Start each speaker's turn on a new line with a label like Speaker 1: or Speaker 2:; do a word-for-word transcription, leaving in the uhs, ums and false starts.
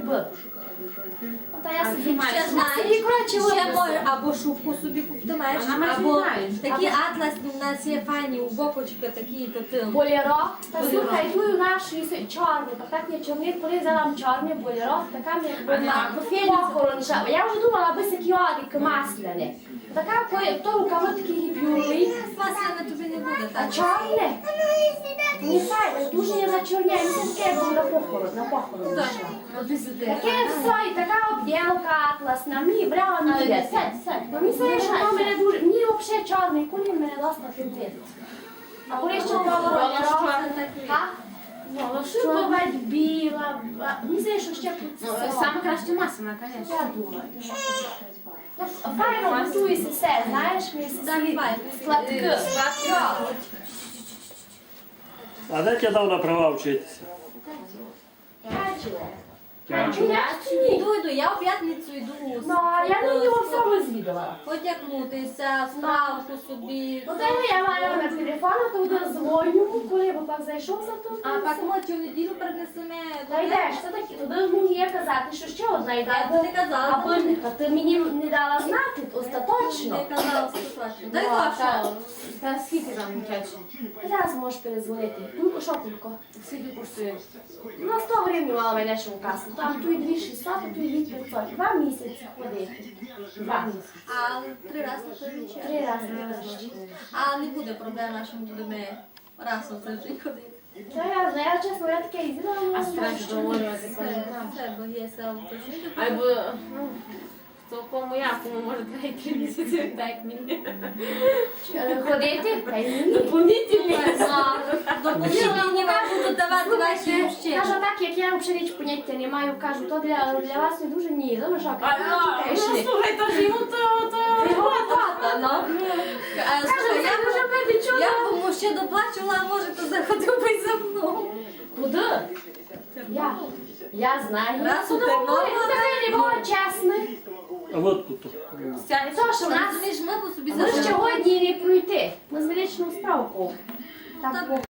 Speaker 1: робити. Та я собі
Speaker 2: Ще знаєш,
Speaker 1: коротше,
Speaker 2: ще може або шубку собі купитимеш, або такі атласні в нас є файні, у бокочка такі, то ти.
Speaker 1: Болеро. Та слухай, тут у нас чорний, так є чорний, коли взяла чорний болеро, така мені була похоронша. Я вже думала, аби такі одики масляні. Така, то рукави такі гіпюрні.
Speaker 2: Масляне тобі не буде,
Speaker 1: А
Speaker 2: так?
Speaker 1: чорне? Не файне, дуже я зачорняю, мені таке було на похорон, на похорон. Таке все, і така обділка атласна, мені брала не йде. Сядь, сядь. Мені все, що воно мене дуже, мені взагалі чорний кулін мене досить фінтить. А коли ще було шуба бать біла, мені здається, що ще
Speaker 3: Саме краще масляна, звісно.
Speaker 1: я думаю. Файно готується все, знаєш, мені всі сладки.
Speaker 4: А де тебе дав на права вчитися?
Speaker 2: Йду, йду, я в п'ятницю йду.
Speaker 1: Ну, а я на нього все розвідала.
Speaker 2: Потягнутися, справку собі.
Speaker 1: Ну, та я маю номер телефону, то буде дзвоню, коли б так зайшов за то.
Speaker 2: А так ми цю неділю принесемо.
Speaker 1: Та йдеш, це такі, туди мені є казати, що ще одна йде.
Speaker 2: Я не казала.
Speaker 1: Або а ти мені не дала знати остаточно.
Speaker 2: Не казала остаточно. Дай
Speaker 1: Ну,
Speaker 2: вашу.
Speaker 1: та-
Speaker 3: Та скільки там часу?
Speaker 1: Зараз можеш перезвонити. Ну, що тільки?
Speaker 3: Скільки коштує?
Speaker 1: На сто гривень мала мене ще у касу. Там тут дві шістсот, а тут дві п'ятсот. Два місяці ходити. Два місяці.
Speaker 2: А три рази на тиждень?
Speaker 1: Три рази на тиждень.
Speaker 2: А не буде проблем, що ми будемо раз на тиждень ходити.
Speaker 1: Та я знаю, я чесно, я таке їздила,
Speaker 3: А
Speaker 1: але
Speaker 3: страшно договорювати,
Speaker 2: Це,
Speaker 3: пам'ятаю.
Speaker 2: це, бо є село точніше.
Speaker 3: Або, ну, то кому якому може три місяці, так мені.
Speaker 1: ходити, та й мені.
Speaker 3: Дополнительні.
Speaker 2: Допомогли вам будуть давати ваші ще.
Speaker 1: Кажу так, як я взагалі ніч поняття не маю, кажу, то для, для вас не дуже ні. Ну, що,
Speaker 3: А, ну, слухай, то ж йому то, то...
Speaker 1: його тата, ну.
Speaker 2: А, слухай, я б- Я б йому ще доплачувала, а може, то заходив би за мною.
Speaker 1: Куди? Я. Я знаю.
Speaker 2: Раз у
Speaker 1: Ну,
Speaker 2: Тернополі.
Speaker 1: ну, таке не було чесне.
Speaker 4: А от тут.
Speaker 1: То, що в нас
Speaker 2: Розумієш, ми б собі
Speaker 1: ми ж
Speaker 2: зажили.
Speaker 1: сьогодні не пройти. Ми з величною справку. Так,